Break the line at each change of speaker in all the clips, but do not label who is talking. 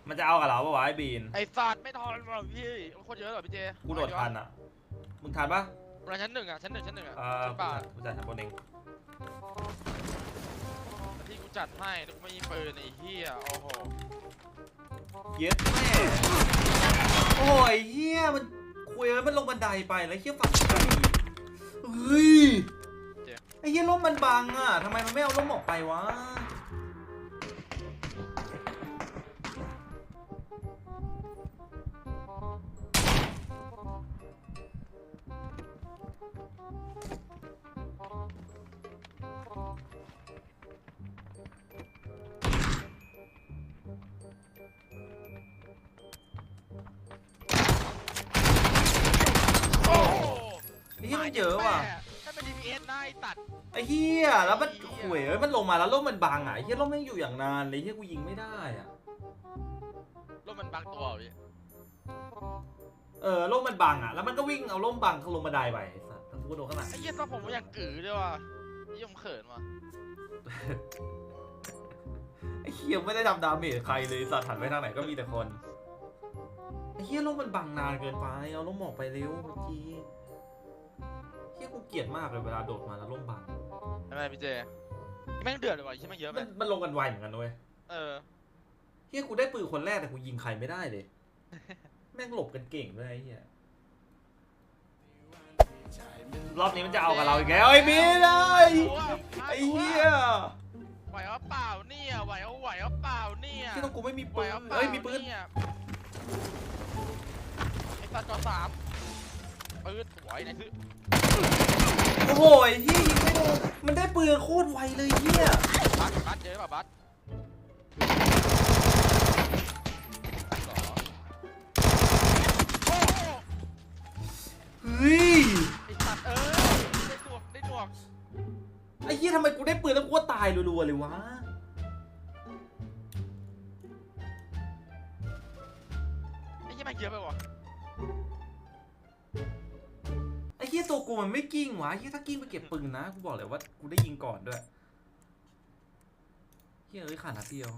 มันจะเอากับเราปะวะไอ้บีน
ไอ้สัตว์ไม่ทันหรอกพี่มันคนเยอะเหรอพี่เจ
กูโดดทันอ่ะมึงทันปะ
ประมาณชั้นหนึ่งอ่ะชั้นหนึ่งอ่ะชั้น
กู
ป่า
จัดชั้นบนเอง
ที่กูจัดให้แล้วกูไม่มีปืนไอ้เหี้ยโอ้โห
เย็ดแม่โอ้ยเฮียมันคุยแล้วมันลงบันไดไปแล้วเฮียฝั่งเฮ้ยไอ้เฮียร่มมันบังอ่ะทำไมมันไม่เอาร่มออกไปวะนี่มันเยอะว่ะ
ถ้าเป็น DPS ได้ตัด
ไอ้เฮียแล้วมันข่วยมันลงมาแล้วร่มมันบังอ่ะไอ้เฮียร่มแม่งอยู่อย่างนานเลยเฮียกูยิงไม่ได้อ่ะ
ร่มมันบางตัวพี่
ร่มมันบังอ่ะแล้วมันก็วิ่งเอาร่มบังลงบันไดไปไอ้สัสทั้งกูโดนข้างหลัง
ไอ้เหี้ยตอนผมอยากกือด้วยว่ะยี่ผมเขินว่ะ
ไอ้เฮียไม่ได้ทำดาเมจใครเลยสัตว์หันไปทางไหนก็มีแต่คนไอ้เฮียร่มมันบังนานเกินไปเอาร่มออกไปเร็วเมื่อกี้เฮียกูเกลียดมากเลยเวลาโดดมาแล้วร่มบัง
ทำไมพี่เจแม่งเดือดเลยว่ะใช่ไหมเยอะไหม
มันลงกันไวเหมือนกันด้วยเฮียกูได้ปืนคนแรกแต่กูยิงใครไม่ได้เลย แม่งหลบกันเก่งด้วยไอ้เฮียรอบนี้มันจะเอากับเราอีกแล้วไอ้บีเลยไอ้เฮีย
ไหวเอาเปล่าเนี่ยไหวเอาเปล่าเนี่ย
ที่ต้องกูไม่มีปืนมีปืน
ไอ้สัตว์จอสามปืนไหวไหนคือ
โอ้โหเฮียยิงไม่โดนมันได้ปืนโคตรไวเลยเฮีย
บัสเยอะป่ะบัส
เฮ้ย
ไอ้สัตว์ได้ดวง
ไอ้เฮียทำไมกูได้ปืนแล้วกูตายรัวๆเลยวะ
ไอ้เหี้ยมันเยอะไปวะ
ไอ้เฮียตัวกูมันไม่กิ้งวะเฮียถ้ากิ้งไปเก็บปืนนะกูบอกเลยว่ากูได้ยิงก่อนด้วยเฮียขาดนัดเดียว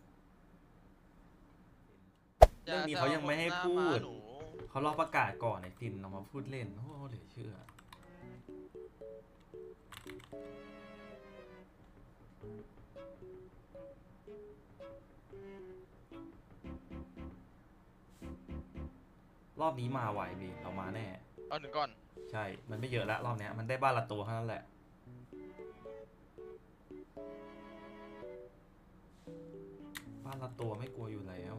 เรื่องนี้เขายังไม่ให้พูดเขารอประกาศก่อนไอ้ตินออกมาพูดเล่นโอ้โหเหลือเชื่อรอบนี้มาไหวบีเรามาแน่
เอาหนึ่งก่อน
ใช่มันไม่เยอะแล้วรอบนี้มันได้บ้านละตัวเท่านั้นแหละบ้านละตัวไม่กลัวอยู่แล้ว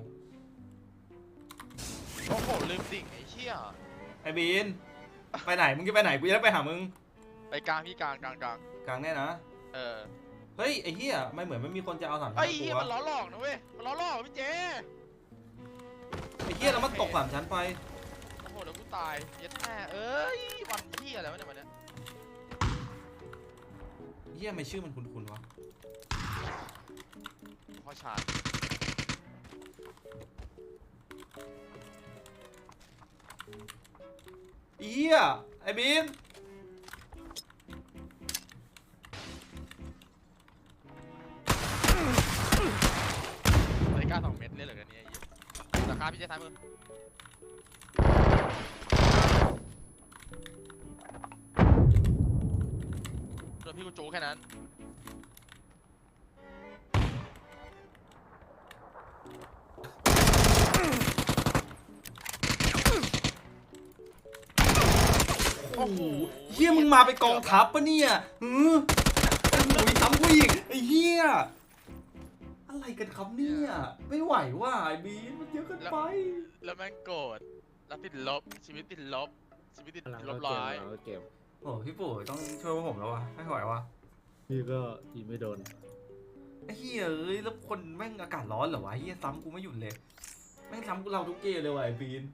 โอ้โหลืมดิ่งไอ้เชี่ย
ไอ้บีนไปไหนมึงจะไปไหนกูจะได้ไปหามึง
ไปกลางพี่กลาง
แน่นะเฮ้ยไอ้เหี้ยไม่เหมือนไม่มีคนจะเอา3 ชั้น
ไอ้เหี้ยมันล้อหลอกนะเว้ยมันล้อหลอกพี่เจ
ไอ้เหี้ยแล้วมันตก3 ชั้นไป
โอ้โหเดี๋ยวกูตายยัดแม่เอ้ยวันพี่อะไรวะเนี่ยวันเนี้ย
เหี้ยไม่ชื่อมันคุ้นๆวะ
พ่อชาญ
เหี้ยไอ้บีน
เลยกล้า2 เม็ดเลยเหรอเนี่ยราคาพี่เจท้ายมือโดนพี่กูจูแค่นั้น
โอ้โหเหี้ยมึงมาไปกองทัพปะเนี่ยไอ้หนูทำผู้หญิงไอ้เหี้ยอะไรกันครับเนี่ยไม่ไหวว่ะไอ้บีนมันเยอะเกินไป
แล้วแม่งโกรธแล้วติดลบชีวิตติดลบร้อย
โอ้พี่ปู่ต้องช่วยพวกผมแล้ววะไม่ไหววะ
พี่ก็ยิงไม่โดน
ไอ้เหี้ยเอ้ยแล้วคนแม่งอากาศร้อนเหรอวะเหี้ยซ้ำกูไม่หยุดเลยแม่งซ้ำกูเราทุกเกมเลยว่ะไอ้บีน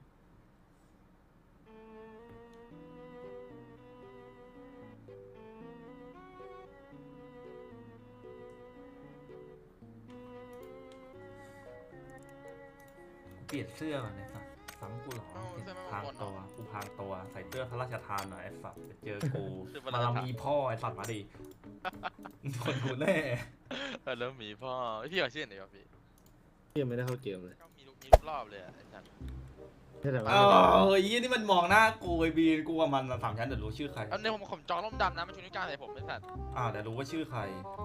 เปลี่ยนเสื้อก่อนไอ้สัสซ้ำกูหรอพางตัวกูพางตัวใส่เสื้อพระราชทานหน่อยไอ้สัสจะเจอกูมาลามีพ่อไอ้สัสมาดิคนดูแน่
แล้วมีพ่อพี่เอาชื่อไหนวะพี่
ยังไม่ได้เข้าเกมเลย
นี้ทุกรอบเลยไอ้สัตว์
ใช่แต่ว่า
เฮ้ยนี่มันมองหน้ากูไอ้บีนกูกับมันสามชั้นเดี๋ยวรู้ชื่อใคร
เอาเนี่ยผมจองร่มดำนะมันชูนิ้วกลางใส่ผมไอ้สัตว์
เดี๋ยวรู้ว่าชื่อใคร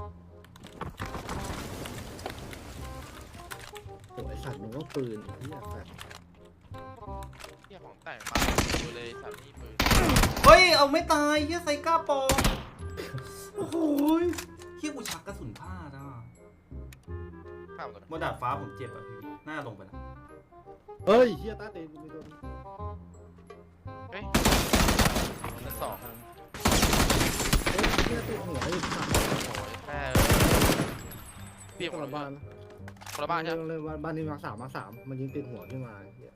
โอ้ยสัตว์มึงก็ปืนไอ้เหี้ยสัตว์
เฮียของแต่งมาดูเลยสัตว์นี่ปืน
เฮ้ยเอาไม่ตายเฮียไซก้าปองโอ้โหเฮียกูชักกระสุนพลาดอ่ะ
ข้ามตัว
บนดาดฟ้าผมเจ็บอ่ะพี่หน้าลงไปแล้ว
เฮ้ยเหี้ยตาเต็มกูไม่โดน
เฮ้ยชั้นสอง
เฮ้ยเหี้ยติดหัวไอ้สัตว์
โอ้ยแม่เปียก
ค
หม
น
ด
ละ
เลย
บ้านนะ
คนละบ้านใช่ไหม
เลยบ้านนี้มาสามมันยิงติดหัวขึ้นมาไอ้เหี้ย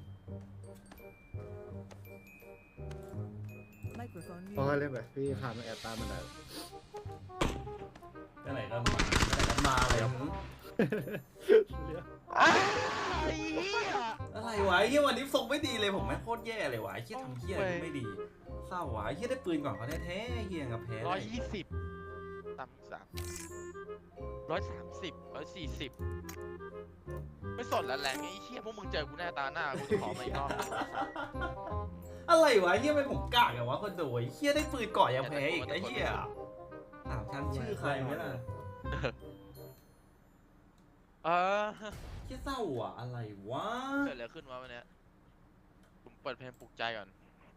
Microphone
พอ
muted.
เล่นไปพี่คานมาแอบตามมันได้
ไหนก็มาเลย
ไอ้เหี้ย
อะไรวะเฮียวันนี้ทรงไม่ดีเลยผมแม่งโคตรแย่เลยวะเฮียทำเฮียอะไรไม่ดีเศร้าวะเฮียได้ปืนก่อนเขาแท้ๆเฮียกับแพ้
120ต่ำ3 130 140ไม่สนแล้วแรงไอ้เหี้ยพวกมึงเจอกูแน่ตาหน้ากูจะขอมาอีกรอบ
อะไรวะเฮียไม่ผมกากอะวะคนโดยเฮียได้ปืนก่อนยังแพ้อีกไอ้เฮียถามฉันชื่อใครไหมล่ะ เฮียเศร้าอะอะไรวะ
เกิดอะไรขึ้นวะวันเนี้ยผมเปิดเพลงปลุกใจก่อน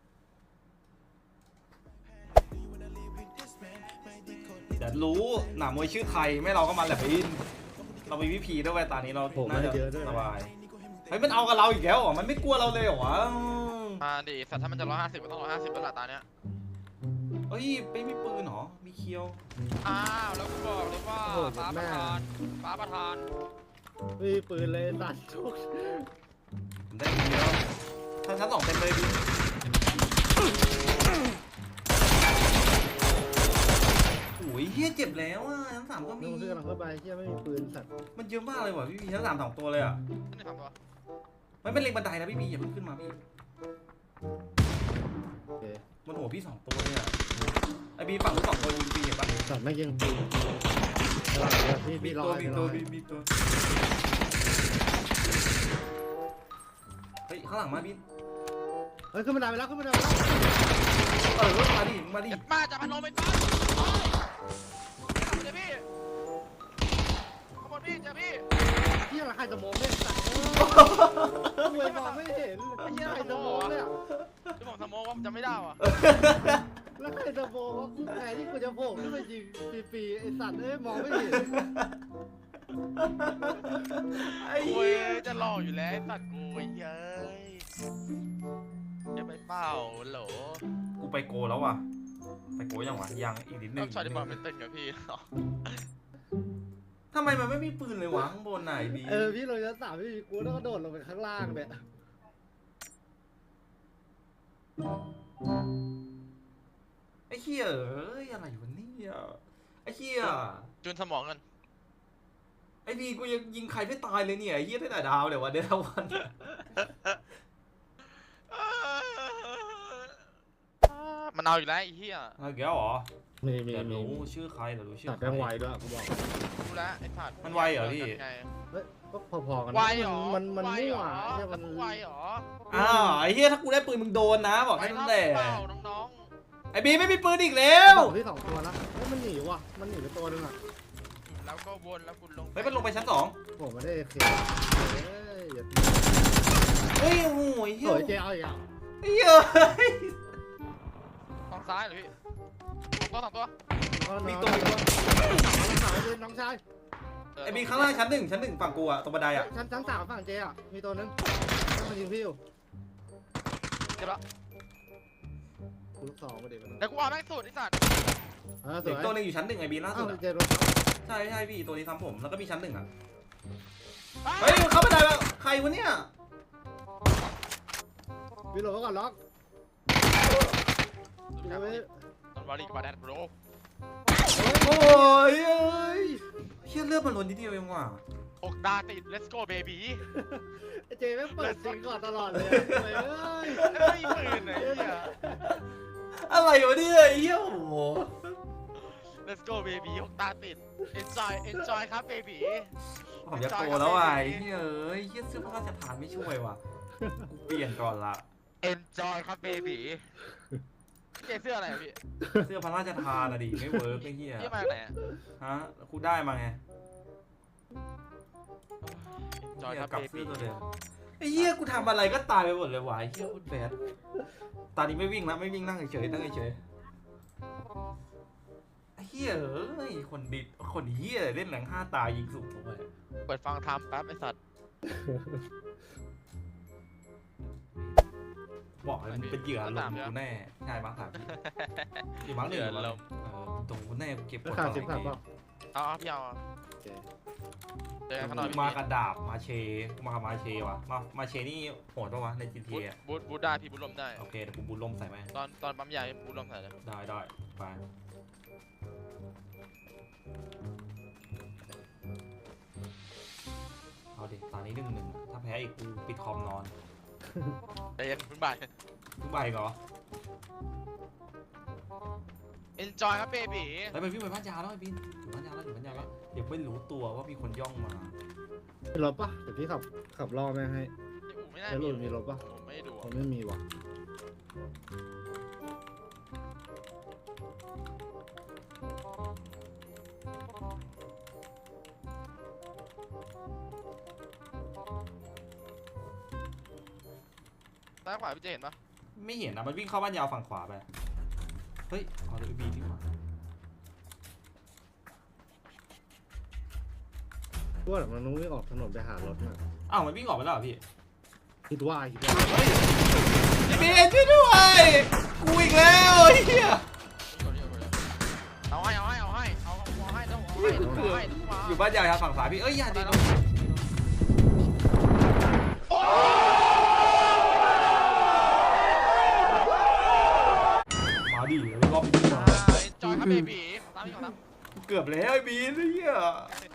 เดี๋ยวรู้หนามวยชื่อใครไม่เราก็มันแหละไปอินเรามีวิพีด้วยเวยตอนนี้เรา
ผม
น่า
ไม่
จะ
เยอะด้วย
สบายเฮ้ยมันเอากับเราอีกแล้วเหรอมันไม่กลัวเราเลยเหรอวะ
มาดิสัตว์ถ้ามันจะ150ก็ต้อง150แล้วล่ะตาเนี้ย
เฮ้ยไม่มีปืนเหรอมีเคียว
อ้าวแล้วกูบอกเลยว่าฟ้าประธานฟ้าประธาน
ไม่มีปืนเลยสัตว์ทุก
ผมได้ปืนแล้วชั้นสองเต็มเลยดิโอ้ยเฮียเจ็บแล้วอ่ะชั้นสามก็
มึ
มี
งเพื่อนเราเข้าไปเหี้ยไม่มีปืนสัตว์
มันเยอะมากเลยว่ะพี่พีชั้นสามสองตัวเลยอ่ะ
นี่ทำตัว
ไม่เป็นเล็งบันไดนะพี่พีอย่าเพิ่งขึ้นมาพี่
โอเค
บนหัวพี่สองตัวเนี่ยไอบีฝั่งนู้นสองตัวยิงปีเห็นปะ
สัตว์ไม่ยิงปืนพี่
มี
พี่รอ
ตัว
พี่
มี
ร
ตั
อ
วมีตัวเฮ้ยข้างหลังมาพี่
เฮ้ยขึ้นมาได้ไปแล้วขึ้นมาได้ไปแล้ว
มาดิมาดิ
เจ็บมาจับพันโลไปต้นเดี๋ยวพี่ขบวนพี่เจ้าพี่
ที่อะไรใครจะมองเนี่ยสัตว์รวยมองไม่เห็นไอ้เหี้ยใครจะมองเนี่ย
ที่ผมสโมกว่าผมจำไม่ได้ว่ะ
แล้วใครจะมองว่ากูแพ้ที่กูจะโผล่ขึ้นมายิงฟรีๆไอ้สัตว์เอ้ยมองไม่เห็น
ไอ้
โอ้
เหี้
ย
ย
จะรออยู่แล้วตัดกูเย้ยจะไปเป้าโหล
กูไปโกแล้วว่ะไปโกยังวะยังอีกนิดนึ
ต้อง งช็อตที่บอลเป็นเต้นกับพี่
ทำไมมันไม่มีปืนเลยวะข้างบนไหนบี
พี่ลงชั้นสามพี่กูต้องกระโดดลงไปข้างล่างเนี่ย
ไอ้เหี้ยเอ้ยอะไรวะเนี่ยไอ้เหี้ย
จูนสมองกัน
ไอ้บีกูยังยิงใครไม่ตายเลยเนี่ยไอ้เหี้ยได้แต่ดาวเลยวะเดทวัน
มันเอาอยู่แล้วไอ้เหี้ย
เอาแก้วเหรอ
มี
เดี๋ยวรู้ชื่อใครเดี๋ยวรู้ชื่อ
ตัด
ใคร
แบงไวด้วยกูบอก
รู้แล้วไอ้สัตว์
มันไวเหรอพี่
ไง
เฮ้ยก็พอๆกัน
ไวเหรอ
มัน
ไว
มั่
เหร
ว
อ
ใช่มัน
ไวเหรอ
อ้าวไอ้เหี้ยถ้ากูได้ปืนมึงโดนนะบอก
ไว
ให้
เท่า
นั่นแหละ
เปล่าน้อง
ไอ้บีไม่มีปืนอีกแล้ว
ที่สองตัวแล้วเฮ้ยมันหนีว่ะมันหนีไปตัวนึงอ่ะ
ๆแล้วก็วนแล้วคุณลง
เฮ้ยมันลงไปชั้นสอง
ผมไม่ได้เคเฮ้ยอย่า
เฮ้ยโอ้โหไอ้เหี้ย
โอ้ยเจ๊เอาอีกอ่ะ
ไอ้เหี้ย
ฝั่งซ้ายเหรอพี่สองตัว
มีตัว
น้องชาย
ไอ้บีข้างล่างชั้นหนึ่งฝั่งกูอะตรงบันไดอะ
ชั้นสามฝั่งเจ๊อ่ะมีตัวนึงมันยิงพี่อยู่
เจ็บแล้ว
ลูกสองมาเด็กมัน
เดี๋ยวกูเอาแม่งสุดไอ้สัตว์
ส
เด็
ว
ก
ย
ตัวหนึงอยู่ชั้นหนึ่งไอ้บีล่าสุดอะ
เจ๊รถ
ใช่ใช่พี่ตัวนี้ทำผมแล้วก็มีชั้นหนึ่งอะเฮ้ยเข้าบันไดแล้วใครวะเนี่ย
พี่โหลก่อนล็อก
ต้นวอลลี่กับแดนโบร
โอ้ยเอ้ยเฮียเลือดมันล้นนิดเดียวเองว่ะ
6 ดาติด let's go baby
เจ๊ไม่เปิดซิงก่อนตลอดเลยเฮ้ย
ไม่ปืนไอ้เหี้ย
อะไรวะเนี่ยไอ้เหี้ยโอ้โห
let's go baby 6 ตาติด enjoy ครับ baby
โอ้ผมจะโตแล้วว่ะไอ้เหี้ยเอ้ยเหี้ยเสื้อพระราชทานไม่ช่วยว่ะกูเปลี่ยนก่อนละ
Enjoy ครับเบบีพี่เจเสื้ออะไรอะพี่
เสื้อพระราชทานอะดิไม่เวิร์กไอ้เหี้ย
พี่มาจากไหนอะ
ฮะกูได้มาไง
Enjoy
เหี้ย
ครับ
กลับ
เบ
เสื้
บี
อตัวเดิมไอ้เหี้ยกูทำอะไรก็ตายไปหมดเลยว่ะไอ้เหี้ยโคตรแบดตอนนี้ไม่วิ่งแล้วไม่วิ่งนั่งเฉยๆนั่งเฉยๆไอ้เหี้ยเอ้ยคนเหี้ยเล่นแหลง5 ตายยิงสูงลงไป
เปิดฟังทำแป๊บไอ้สัตว์
บอกเลยมึงเป็นเหยื่อลมกูแน่ใช่บ้างครับอยู่บ้างหนึ่งตรงกูแน่กูเก็บก
รา
ด
คา
ต่อ
สิบ
ไอ้
บาท
เหี้ย
เปล่า
เอาพี่เอาอะ
โอเค
เจอกันข้างนอก
กู
พี่
มากับดาบมาเชมาเชว่ะมาเชนี่โหดปะวะใน GTA อ่ะ
บูทได้พี่บูทลมได้
โอเคเดี๋ยวกูบุญลมใส่ไหม
ตอนปั๊มยาบูทลมใส่เลย
ได้ไปเอาดิตอนนี้1-1ถ้าแพ้อีกกูปิดคอมนอน
ใจเย็นเพิ่งบ่าย
ทุกใบเหรอ
Enjoy ครับเบบี
แล้วไปวิ่งไปบ้านยาแล้วไอ้บินอยู่บ้านยาแล้วเดี๋ยวไม่รู้ตัวว่ามีคนย่องมา
มีรถปะเดี๋ยวพี่ขับล่อแม่งให้
ไม่น่า
แล้วหลุดมีรถปะ
ผมไม่ได้ดู
ผมไม่มีว่ะ
ซ้ายขวาพี่เจเห็นปะ
ไม่เห็นนะมันวิ่งเข้าบ้านยาวฝั่งขวาไปเฮ้ยเอาเลยบีนี่หว่า
พวกมันต้องวิ่งออกถนนไปหารถมา
อ้าวมันวิ่งออกไปแล้วเหรอพี่
คิดว่า
พี่เบนช่วยด้วยกูอีกแล้วไอ้เหี้ย
เอาให้ต้องเอาให้ต้องมา
อยู่บ้านยาวทางฝั่งซ้ายพี่เอ้ยอย่าดิมาดิรอบนี้มา
จอยครับเบบีตามพี่ก่อนนะ
เกือบแล้วไอ้บีนไอ้เหี้ย